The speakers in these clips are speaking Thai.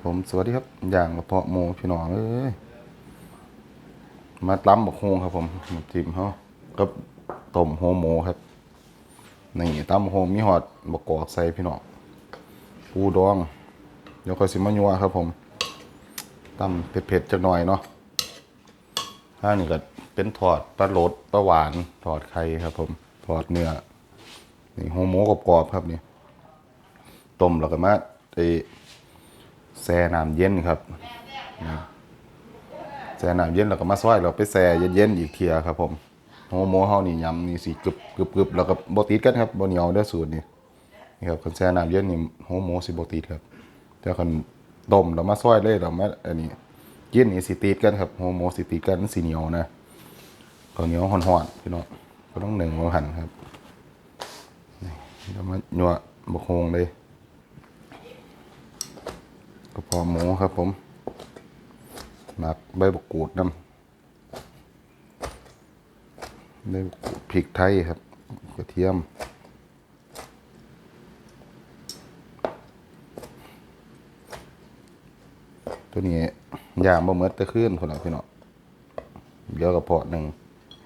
ผมสวัสดีครับอย่างกระเพาะหมูพี่น้องเอ้ยมาตำบักฮงครับผมจิ้มเขากับต้มหัวหมูครับนี่ตำบักฮงมีหอดบักกอกใส่พี่น้องปูดองเดี๋ยวค่อยสิมายัวครับผมตำเผ็ดๆจักหน่อยเนาะถ้านี่ก็เป็นทอดปลาโหลดปลาหวานทอดไข่ครับผมทอดเนื้อนี่หัวหมูกรอบๆครับนี่ต้มแล้วก็มาไอแช่น้ำเย็นครับแช่น้ำเย็นแล้วก็มาซอยเราไปแช่เย็นๆอีกเทียครับผมหัวหมูเฮานี่ยำนี่สิกรึบแล้วก็บ่ติดกันครับบ่เหนียวเด้อสูตรนี่นี่ครับคันแช่น้ำเย็นนี่หัวหมูสิบ่ติดครับแต่คันต้มแล้วมาซอยเลยแล้วมาอันนี้เย็นนี่สิติดกันครับหัวหมูสิติดกันสิเหนียวนะข้าวเหนียวฮ้อนๆพี่น้องก็ต้องนึ่งบ่หั่นครับนี่เดี๋ยวมายั่วบักฮงเลยกระเพาะหมูครับผมหมักใบบักกูดน้ำใบบักกูดพริกไทยครับกระเทียมตัวนี้ย่างบะเมิดตะขึ้นคนละพี่น้องเดี๋ยวกระเพาะหนึ่ง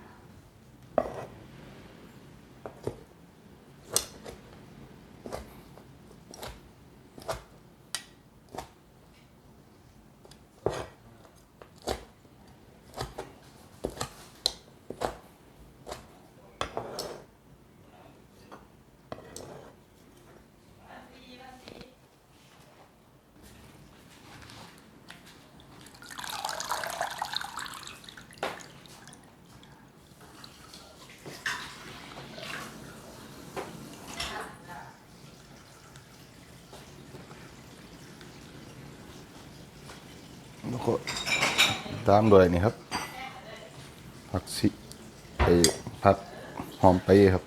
แล้วก็ตามด้วยนี่ครับผักชีไอผักหอมไปครับ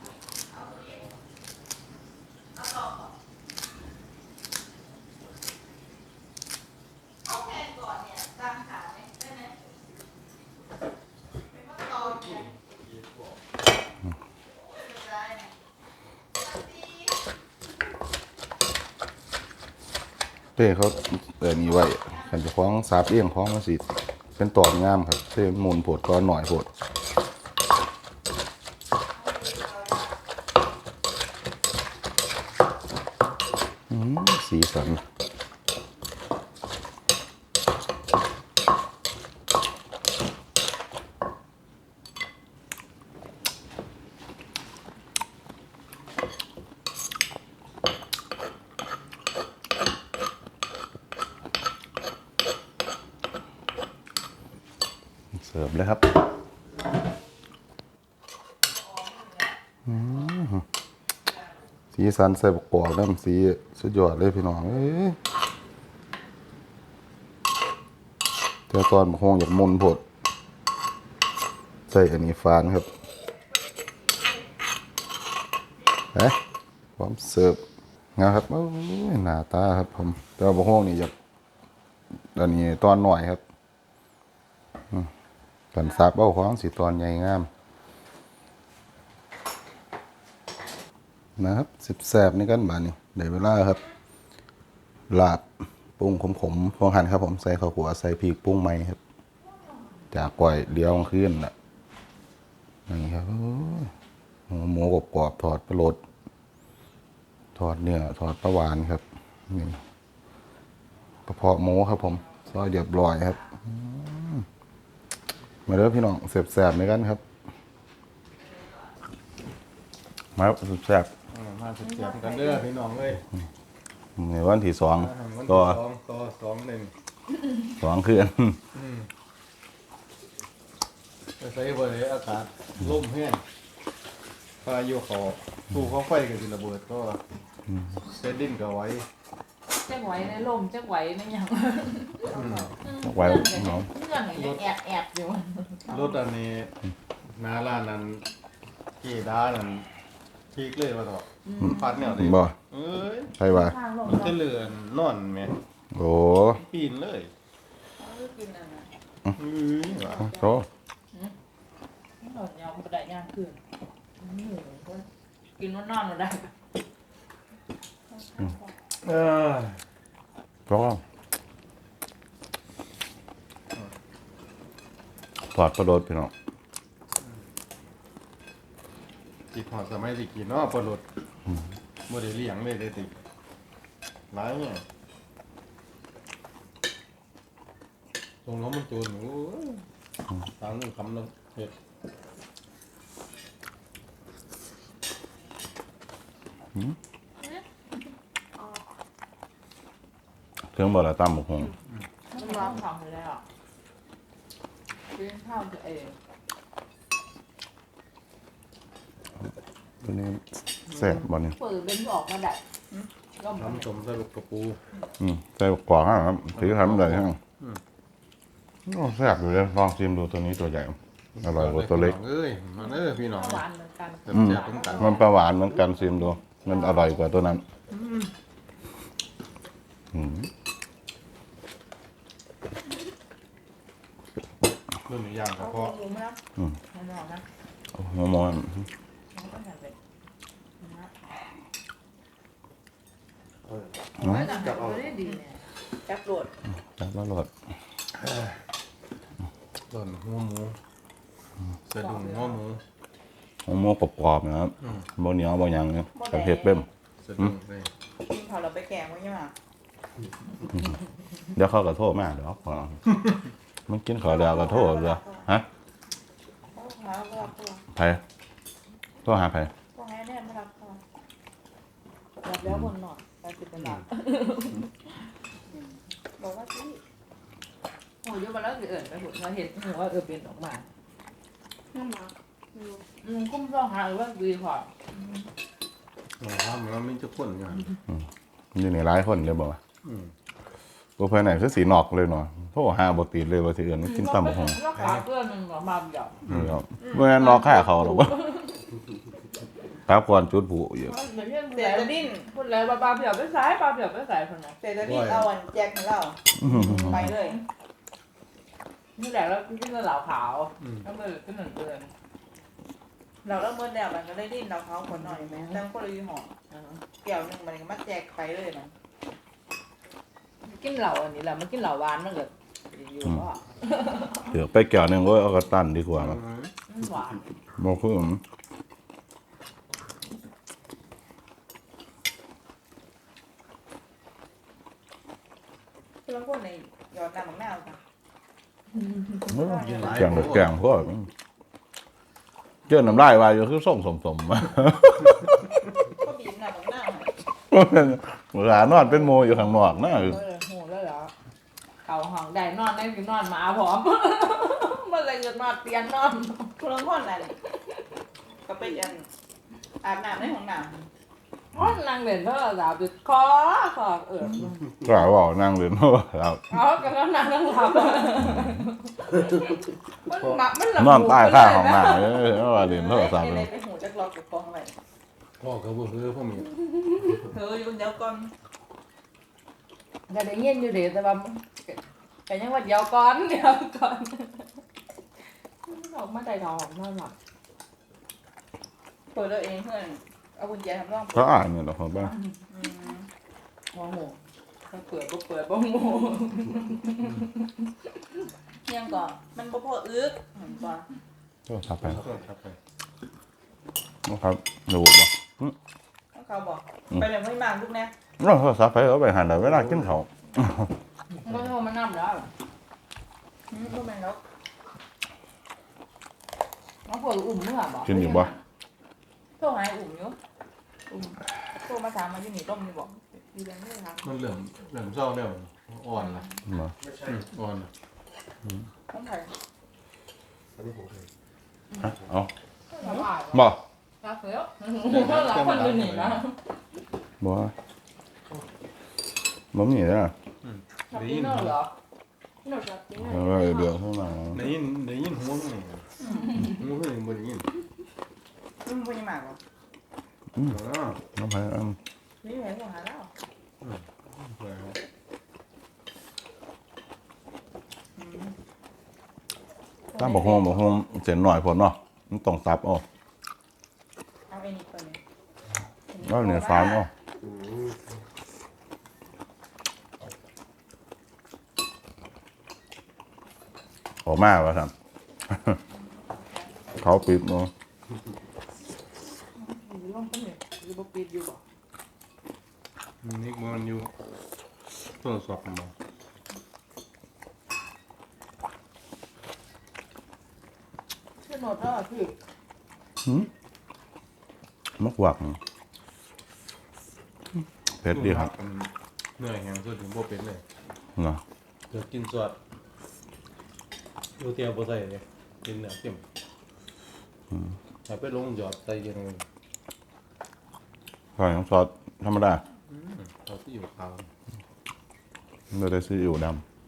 เต้เขานี่ไว้กันจะคล้องสาบเอี้ยงคล้องมาสิเป็นตอนงามครับเต้หมุนโผดก้อนหน่อยโผดสีสันเสิร์ฟเลยครับสีสันใส่บกกอกน้ำสีสุดยอดเลยพี่น้องเอ้ยแต่ตอนบกฮงอยากมุนโผดใส่อันนี้ฟานครับพร้อมเสิร์ฟนะครับโอ้ยหน้าตาครับผมแต่ว่าบกฮงนี่อยากอันนี้ตอนหน่อยครับกันซับเอาของสีตอนใหญ่งามนะครับสิบแสบนี่กันบานี่ได้เวลาครับลาบปรุงขมๆพองหั่นครับผมใส่ข้าวขัวใส่พริกปรุงใหม่ครับจากก่อยเลี้ยวขึ้นน่ะนี่ครับหมูกรอบๆทอดปลาโลดทอดเนื้อทอดปลาหวานครับนี่กระเพาะหมูครับผมซอยเรียบร้อยครับมาเด้อพี่น้องแสบๆนี่กันครับมาแสบมาเสียบกันเด้อพี่น้องเลยในวันที่สองวันก็ต่อ2-1 2คืนไปใส่บริอากาศลมแห้งพายุเขาตู้เขาไฟกันสิระเบิดก็เซดินก็ไว้จักไหวในลมจักไหวในหยังไว้เน้องงื่อนอย่างแอบอยู่รถอันนี้หน้าร้านนั้นกี่ด้านั้นพีกเลยว่าต่อพัดแนวดิบ่เอ้ยใช่ป่ะมันจะเลื่อนนอนไหมโอ้ปีนเลยกินอะไรว่ะโอ้หนอนยาวบ่ได้ย่างคืนกินนอนบ่ได้เออเพราะทอดปลาโดดพี่น้องกินหอดสมัยสิกินเนาะปลาหลดบ่ได้เลี้ยงเลยได้ติหลายเนี่ยตรงน้องมันจูนโอ้ยตามนึงคำนึงเฮ็ดเครื่องบ่ละตำบักหงมันร้องของเลยอ่ะกินข้าวตัวเองตัวนี้แซ่บบ่เนี่ยเปิดเป็นออกมาได้ก็มันน้ำส้มใส่ลูกกระปูใส่กรอกครับถือทำได้ฮะโอ้แซ่บอยู่เลยลองชิมดูตัวนี้ตัวใหญ่อร่อยกว่าตัวเล็กเอ้ยมาเด้อพี่น้องหวานเหมือนกันแซ่บๆเหมือนกันมันปลาหวานเหมือนกันชิมดูมันอร่อยกว่าตัวนั้นอืมรุ่นนี้ย่างกระเอาเพาะหมูนะมันออกนะโอ้โหมอนมันก็จะเป็นนะเนาะไม่แต่เอาได้ดีเนี่ยจับโดดจับแล้วรสต้นหัวหมูสะดุ้งหัวหมูหัวหมูกรอบๆนะครับบ่เหนียวบ่หยังเนี่ยกับเห็ดเป้มสะดุ้งเลยกินเขาเราไปแกงไว้ยังไงเดี๋ยวเขาก็โทษมาเดี๋ยวพอมันกินข้าวแล้วก็โทษเลยฮะเขาหาไม่รับเขาไผโทษหาไผเขาให้แน่ไม่รับเขารับแล้วบนหน่อยไปติดเป็นหลักบอกว่าที่โอ้ยมาแล้วสิเอิญไปหุ่นเราเห็นหนูว่าเป็นออกมานั่นหรอกุ้งต้องหาว่าดีกว่าเราทำแล้วมันจะข้นอยู่หั่นอยู่ในหลายคนเลยบอกว่าอืมตัวภายในคือสีนอกเลยเนาะโทษหาบ่ติดเลยว่าสิเอื่นมันกินตำบักหุ่งก็ขาเพื่อนมันมาเดียวนี่ครับเมื่อนั้นนอกค่าเขาหรอกว่าครับก่อนจุดผู้อยู่เสียดิ้นพูดเลยปลาเผียวไปสายปลาเผียวไปสายคนไหนแต่จะรีบเอาอันแจกให้เราไปเลยนี่แหละแล้วกินเหล่าขาวแล้วมันก็หนึ่งเดือนเราเริ่มเมื่อแล้วมันก็ได้ดิ้นเราเขาคนหน่อยไหมตั้งคนละยี่ห้อเกี่ยวหนึ่งมันก็มาแจกไปเลยนะกินเหล่าอันนี้แหละมันกินเหล่าหวานมันเกิดอยู่ก็เดี๋ยวไปแก้วหนึงก็เอากระตันดีกว่าครับหวานบ่คือคือเราคนในยอดน้ำของหน้าค่ะแกงแกงพวกเจ้าน้ำลายว่าอยู่คือส่งสมก็บีบน้ำของหน้าเวลานอนเป็นโมอยู่ข้างนอกนะโหแล้วเหรอเก่าห้องได้นอนได้กินนอนมาพร้อมมันเลยเกิดนอนเตียงนอนคือเราคนนั่นก็เป็นอันอาบน้ำในห้องน้ห้องนั่งเล่นเท่าไหร่จุดคอเออก็บอกนั่งเรียนเพราะว่าเราเอาก็นั่งนั่งหลับมันหลับนอนใต้ข้างของหน้าเพราะว่าเรียนำโทรศัพท์อะไรเลยไปหูจักรอกกับกองอะไรพ่อเขาบ่คือพวกมีเธออยู่เดี๋ยวก่อนจะได้เงียบอยู่เดี๋ยวแต่ว่าแต่ยังว่าเดี๋ยวก่อนออกมาใจทองนอนหลับเปิดเราเองเพื่อนเอากุญแจทำร่องเขาอ่านเนี่ยเหรอครับบ้างมองหมูเปิดก็เปิดบ้องหมูเที่ยงก่อนมันบ่พออึกเหมือนก่อนโทรศัพท์ไปครับไปนะครับดูบ่เขาบอกไปเลยไม่มาลูกนะเราโทรศัพท์ไปเอาไปหันเวลากินเขาวก็โทรมานั่งแล้วลูกแมนแล้วน้องเปิดอุ่มเมื่อบ่กินอยู่บ่โทรหาอุ่มอยู่อุ่มโทรมาถามมาอยู่นี่ต้มนี่บอกดีเลยไม่ครับมันเหลื่อมเศร้าแล้วอ่อนละบ่อ่อนละต้องถ่ายฮะเอาบ่บ่รักเสือก็รักคนอื่นนี่นะบ่บ่มีเลยนะชอบกินเนอร์เหรอหนูชอบกินเนอร์เดี๋ยวเข้ามาได้ยินหัวมันนี่หัวมันนี่บ่ได้ยินมึงเป็นยังไงวะน้ำไผ่อันนี่เห็นหัวหาแล้วตามบอกโฮมเส้นหน่อยพอเนาะมันต้องสับเอาเอาไอ้นี่ก่อนเลยแล้วเนี่ยฟานเอาออกมาว่าซั่นหเขาปิดเนาะอยู่ร่องต้นเนี่ยอยู่บ่ปิดอยู่บ่นี่มันอยู่ตรวจสอบมาชื่อโนดแล้วพี่มักหวักเผ็ดดีครับเหนื่อยแห้งสุดถึงโบเป็นเลยเนาะเดี๋ยวกินสวดดูเตียวโบใส่เลยกินเนื้อเข้มเอาไปลงหยอดใส่เย็นเลยใส่น้ำซอสธรรมดาเอาที่อยู่ขาวไม่ได้ซีอิ๊วด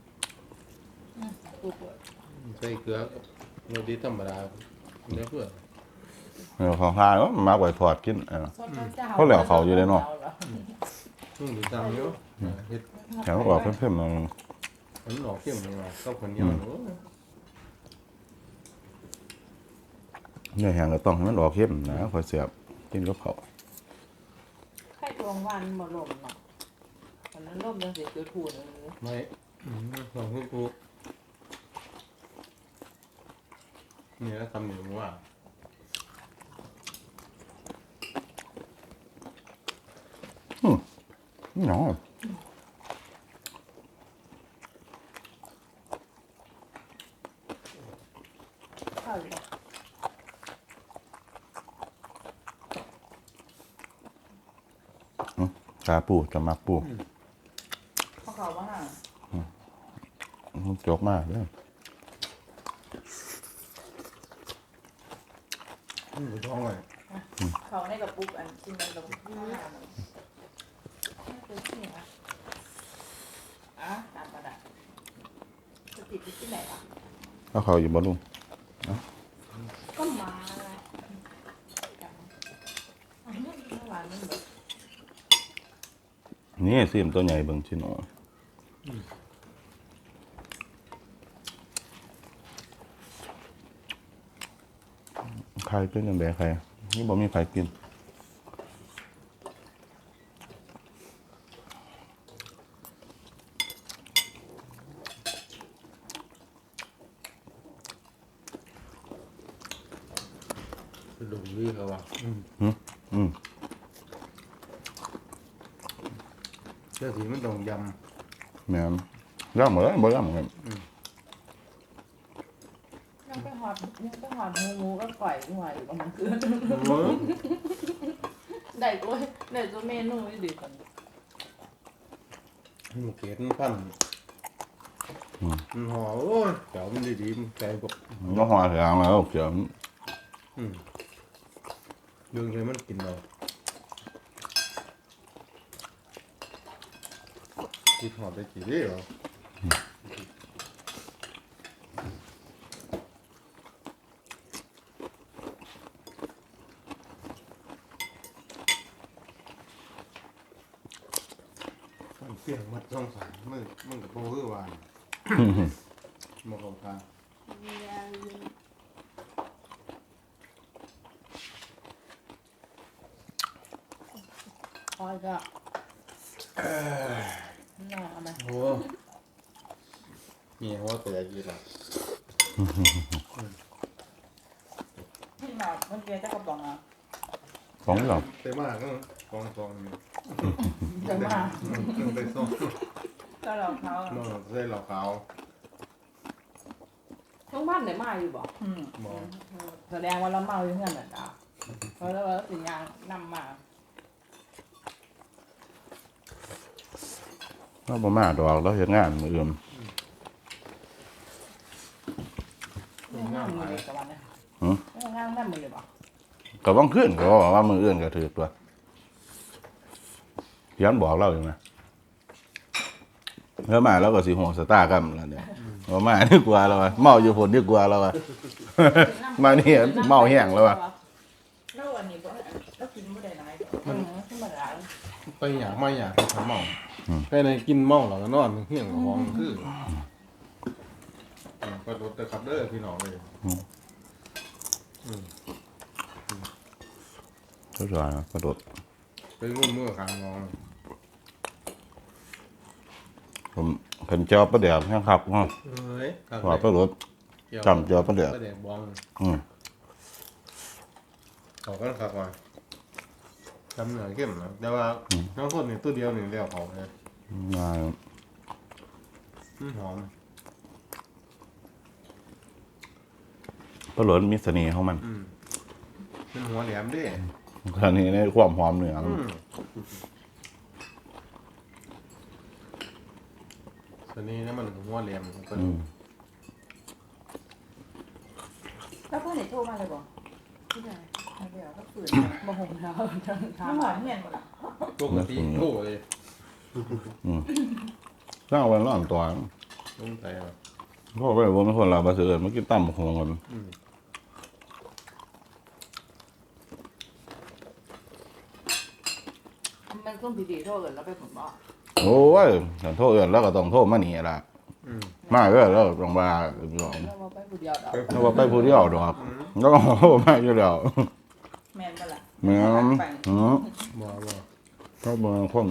กูเปิดใส่เกลือเนื้อดีธรรมดาเนื้อเพื่อำเนื้อของทานก็มากกว่าทอดกินซอสเจ้าเขาเหลือเขาอยู่เลยเนาะดูตามเยอะเห็ดแถวออกเข้มๆหน่อยมันออกเข้มเลยว่ะข้าวคนเหนียวเนื้อแห้งก็ต้องให้มันออกเข้มนะค่อยเสียบกินกับเขาวไข่ตวงวันบ่ลมเนาะวันนั้นลมจังสิเกิดถูนไม่ลองให้กูเนี่ยทำหนึ่งว่าเนาะข้าวอยู่บ่กาปูจะมักปูเขาเขาว่าห่างมันจกมากเลยท้องเลยเขาในกระปุกอันกินมันลงข้าวหน้ามันคือที่ไหนอ่ะตามกระดาษจะติดอยู่ที่ไหนวะแล้วเขาอยู่บ่ลุงก็มาอันนี้เมื่อวานมันแบบนี่ซิมตัวใหญ่เบิ่งชิโนใครเป็นยังไงใครนี่บ่มีใครกินดูวิ่งเขาว่ะอืมเจ้าสีมันต้องยแม่นย่ำเหมือนบ่ย่ำเหมือนยังไปหอดงูก็ปล่อยหัวอยู่ประมาณคืนำได้ตัวเมนูไม่ดีกันหมูเกล็ดมันพันมันห่อโอ้ยเจ้ามันดีๆมันใจบอกก็หัวเสียงแล้วเขียวเรื่องเลยมันกินเราคิดหอดได้กี่เรื่องเหรอมันเปลี่ยนมัดช่องสามมึงกับโบคือวานมองของทางคอยก็น่าเอามาโอ้มีหัวแต่ยีหลับที่มาเมื่อกี้เจ้ากระป๋องอ่ะของเราแต่มากก็กองอยู่จะมาไปส่งก็เราเขานอกใส่เหล่าขาวต้องบ้านไหนมาอยู่บ่มองแสดงว่าเราเมาอยู่เงื่อนน่ะจ้าเพราะว่าสิยางนำมาเราบ่มาดอกเราเฮ็ดงานมื้ออื่นงานมือกับวันนี้งานแม่มือบ่ก็บ่ขึ้นก็ว่ามื้ออื่นก็ถือตัวเพียนบอกเราอยู่นะแล้วมาแล้วก็สิห่วงสตาร์กันแล้วเนี่ยว่ามาดีกว่าแล้วว่ะเมาอยู่ผลดีกว่าแล้วว่ะ มานี่เมาแห้งแล้วว่ะแล้ววันนี้ก็แล้วกินไม่ได้ไหนมันธรรมดาไปอยากไม่อยากไปทำเมาไปในกินเมาแล้วก็นอนเฮี้ยงห้องคือก็รถแต่ขับเด้อพี่น้องเลยเข้าใจนะกระโดดไปงุ่มเมื่อคางงองผมเห็นเจ้าประเดี๋ยวแห้งขับฮะเฮ้ยว่าประโดดเจจำเจียวปลาเดือกปลาแดกบองอืมเขาก็ขับว่าจำเหนือเข้มนะแต่ว่าน้องคนนี่ตัวเดียวนี่เรียกเขาเลยมาหอมปลาหลวนมีเสน่ห์ของมันเป็นหัวแหลมดิเสน่ห์ในความหอมเนื้อตัวนี้นี่มันหัวแหลมเป็นแล้วเพื่อนไหนโทรมาเลยบอกที่ไหนเดี๋ยวก็ฝืนบ่หงเท้าทั้งน้ำทางหวานเมียนหมดละปกติโอ้เลยถ้าเอาไว้ร้อนตัวต้องใจอ่ะเพราะว่าผมเป็นคนลาวบาเสือเมื่อกี้ตั้มหงกันมันต้องพิธีโทษกันแล้วไปผมบอกโอ้ยถ้าโทษเอื่นแล้วก็ต้องโทษมาหนีละมาเรื่อยแล้วต้องมาหลอกแล้วมาไปผู้เดียวดอกแล้วว่าไปผู้เดียวดอกแล้วก็โทษมาอยู่แล้วแมนปะล่ะเหมือนบ่เขาเมืองคน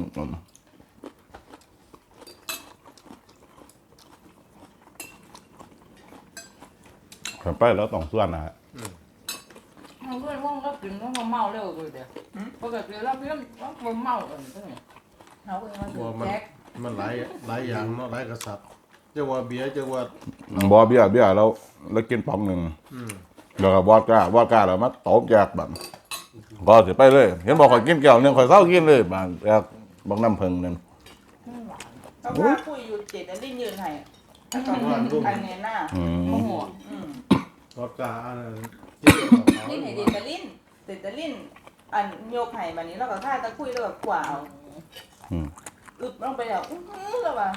ไปแล้วต้องส่วนนะฮะเราเพื่อนว่างก็กินแล้วมาเมาเร็วเลยเดี๋ยวปกติเราเพื่อนว่าเมากันใช่ไหมเขาเองมันบ่มันแจ็คมันหลายอย่างเนาะหลายกษัตริย์จะว่าเบียร์จะว่าบอเบี้ยแล้วกินป๋องหนึ่งแล้วก็วอดก้าแล้วมาตบแจกแบบก็สิไปเลยเห็นบอกข่อยกินแก้วหนึงข่อยเศร้ากินเลยบางแจกบักน้ำเพิงนั่นเขาพาคุยอยู่เจ็ดแล้วลิ้นยืนให้แล้วก็อันเนี้ยหน้าโมโหรถกาอันนั้นลิ้นให้เด็ดแต่ลิ้นเด็ดแต่ลิ้นอันโยกไห้แบบนี้แล้วก็ท่าตะคุยแล้วก็กว่าเอาอึบลงไปแล้วแล้วว่ะ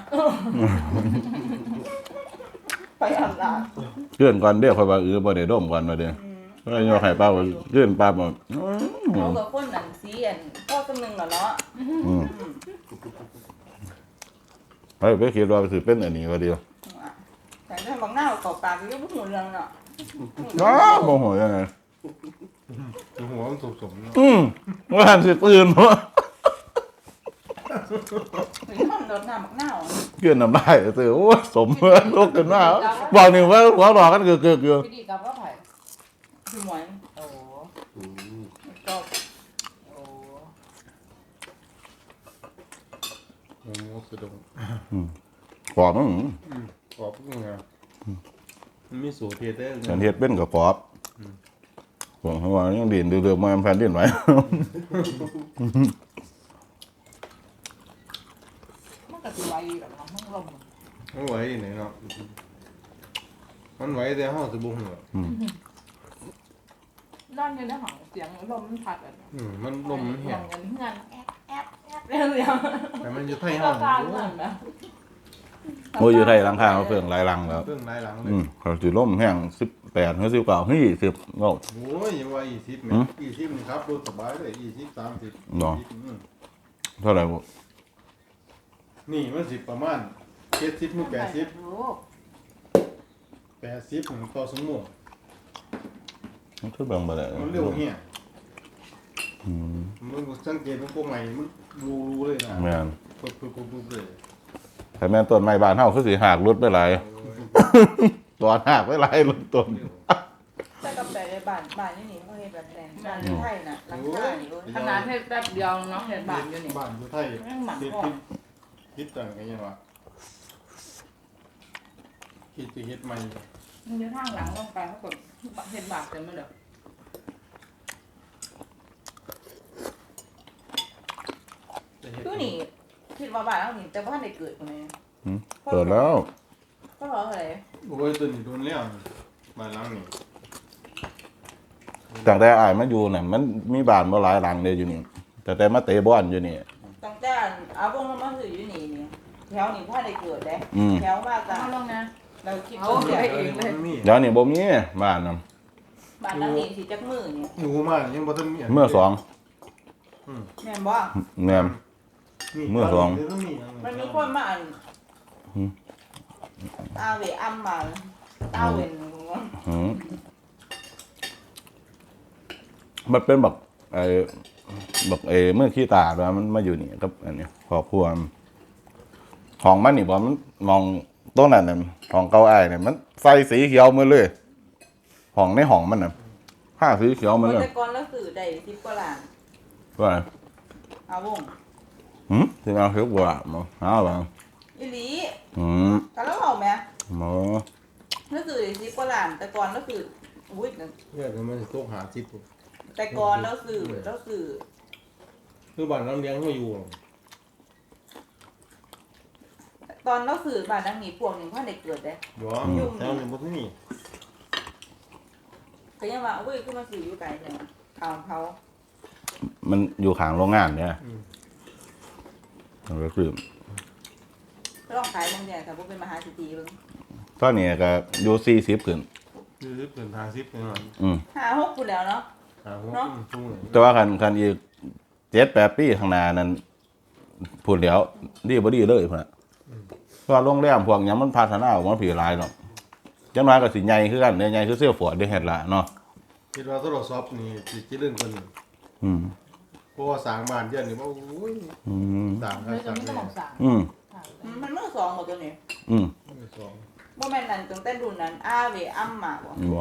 ไปอาบน้เลื่อนก่อนเดี๋ยวข่อยว่าบ่ได้ดมก่อนมาเด้อแล้วโยกให้ป้าเลื่อนป้าบ่ำเขากับคนหนังสีอันพ่อคนหนึ่งเหรอเนาะไปคิดว่าสิเป็นอันนี้ก็ดีแต่ถ้าบางหน้าเขาปากก็ยังไม่หูเรื่องเนาะอ้าบ่ฮู้ยังไงหัวมันสุกๆเนาะว่าหันสิตื่นวะหรือมันโดนหน้าบักหน้าเกินน้ำลายตื่นโอ้ยสมเมื่อลุกขึ้นมาบอกหนึ่งว่าหัวหลอกกันเกือกพิธีกรรมก็ไผ่คือหมอนโอ้ก็โอ้โอ้โหสุดงกรอบมั้งกรอบงามันมีสูตรเฮ็ดได้ฉันเฮ็ดเป็นกับกรอบผมเขาว่ายังดินเดือดๆมาแผ่นดินไหวมันก็สิไวแบบน้ำลมมันไหวไหนเนาะมันไหวแต่ห้องสิบ่ฮู้ด้านอยู่ในห้องเสียงลมมันพัดอ่ะมันลมมันแห้งกันเงื่อนแอบเรื่องเดียวแต่มันอยู่ไทยเราห้องการเงื่อนนะโอ้ยอยู่ไทยหลังคาเขาเพิ่งหลายหลังแล้วเรื่องหลายหลังเลยเขาสิล่มแห้ง18หรือ19เฮ้ย10เนาะโอ้ยยังว่า20แม่20นี่ครับรถสบายเลย20 30 เนาะเท่าไหร่บ่นี่มันสิประมาณ70ถึง80 รู้ 80ของต่อชั่วโมงมันคือเบิ่งบ่ได้มันเร็วเหี้ยมันสังเกตมันพวกใหม่มันรู้เลยนะแม่นปุ๊บเลยแต่แม่นต้นไม้บ้านเฮาคือสิหากรุดไปหลายตัวหากไปหลายรุดต้นแต่กับแต่ในบ้านนี่นี่เขาเห็นแบบแดงบ้านไทยน่ะหลังคานี่ขนาดแค่แป๊บเดียวน้องเห็นบาทอยู่นี่บ้านอยู่ไทยคิดต่างกันยังวะคิดจะเฮ็ดใหม่มันอยู่ทางหลังลงไปเขากดเห็นบาทเต็มไปเลยคือนี่คิดว่าบ้านเรานี่แต่ว่าได้เกิดคนนี้เปิดแล้วก็เพราะอะไรโอ้ยตัวนี้โดนแล้วบ้านหลังนี่ตั้งแต่อ้ายมาอยู่น่ะมันมีบ้านบ่หลายหลังเลยอยู่นี่แต่มาเตะบอลอยู่นี่ตั้งแต่เอาวงเรามาซื้ออยู่นี่นี่แถวนี่ถ้าได้เกิดได้แถวว่าจะเอาลงนะเราคิดเอาว่าไปเองเลยมันมีเดี๋ยวนี้บ่มีบ้านนำบ้านหลังนี้สิจักมือนี่อยู่มายังบ่ทันมีเมื่อสองแม่นบ่แม่นมันมีคนมาอันอาเวอัมมาตาเวนมันเป็นแบบเมื่อขี้ตาแล้วมันมาอยู่นี่กับอันนี้ครอบครัวห้องมันนี่บ่มันมองต้นนั้นน่ะห้องเก่าอ้ายเนี่ยมันใส่สีเขียวหมาเลยห้องในห้องมันน่ะผ้าสีเขียวหมาเลยแต่ก่อนแล้วสื่อได้10กว่าล้านว่าเอาวงที่มาคือว่ามาหาว่าอีหลีอืมก็แล้วเอาแม่หมอแล้วสื่อได้10กว่าล้าน แต่ก่อนแล้วสื่ออุ้ยเนี่ยมันสิตกหา10ปุ๊บแต่ก่อนแล้วสื่อคือบ้านน้ำเลี้ยงมาอยู่ตอนแล้วสื่อบ้านดังนี้พวกหนึงพ่อได้เกิดเด้บ่แถวนี้บ่มีก็ยังว่าอุ้ยคือมาสื่ออยู่ไกลจังข่าวเขามันอยู่ข้างโรงงานเนี่ยมันก็คือลองขายบางอย่างถ้าบ่เป็นมหาเศรษฐีเบิ่งตอนนี้ก็อยู่40ขึ้นคือเพิ่น50จังนั้น 5-6พุ่นแล้วเนาะหาหัวทุ่งเลยแต่ว่าคันอีก7-8 ปีข้างหน้านั้นพูดแล้วดีบ่ดีเลยพุ่นน่ะเพราะว่าโรงแรมพวกหยังมันพัฒนาออกมาผีหลายเนาะจังน้อยก็สิใหญ่คือกันเนี่ยใหญ่คือเสื้อฝอดได้เฮ็ดละเนาะคิดว่าโทรศัพท์นี่สิเจริญกว่านี้อืมเพราะว่าสร้างบ้านเดือนนี่ว่าโอ้ยอืมสร้างไม่สต้ร้าอง งแน่ต้องสั่งอืมมันมือสองหมดตัวนี้อืมสองบ่แม่นนั่นตั้งแต่รุ่นนั้นอาเวอัมมาบ่บ่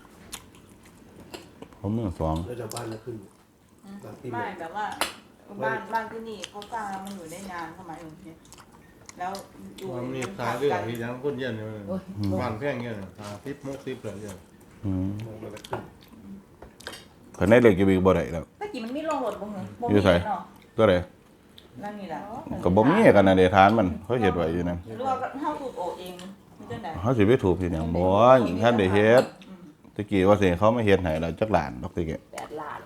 ผมมือสองแล้วจะบ้านละขึ้นไม่แบบว่าบ้านที่นี่เขาสร้างแล้วมันอยู่ได้นานสมัยนึงเนี่ยแล้วอยู่มันมีขายเรื่องที่ยังคนเย็นอยู่บ้านแพงเงี้ย50 60เลยเนี่ยอืมมันละขึ้นเพิ่นได้เล็กอยู่อีกบ่ได้แล้วตะกี้มันมีโรงรถบ่เหรอบ่อยู่มีไสเนาะตัวใดนั่นนี่ล่ะก็บ่มีกันน่ะเดทานมันเขาเฮ็ดไว้อยู่นั่นหรือว่าเฮาสูบโอเองมันจังได๋เขาสิไปถูกที่หยังบ่ท่านได้เฮ็ดตะกี้ว่าสิเขามาเฮ็ดให้แล้วจักล้านดอกตะกี้ 8 ล้าน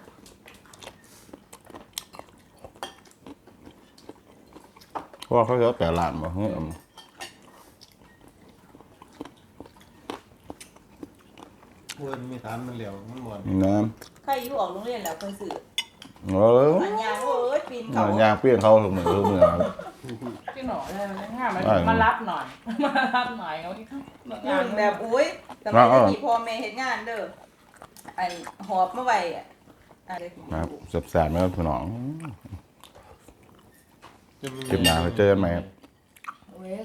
เพราะว่าเขาสิเอา8ล้านบ่เฮ้ยเพิ่นมีฐานมันเหลวมันบ่อนน้ใครอยู่ออกโรงเรียนแล้วเคยซื้อำเอออันยางโอ้ยปีนเขายางเปลี่ยนเขาทุกมื้อทุกมื้อครับพี่หน่อยเลยมันง่ายมารับหน่อยมารับหน่อยเอาที่ข้างรุ่นแบบอุ้ยสมัยที่พ่อแม่เฮ็ดงานเด้ออันหอบมาไว้อะอะไรครับแซ่บๆนะครับพี่น้องคลิปหน้าไปเจอกันใหม่ครับเว้ย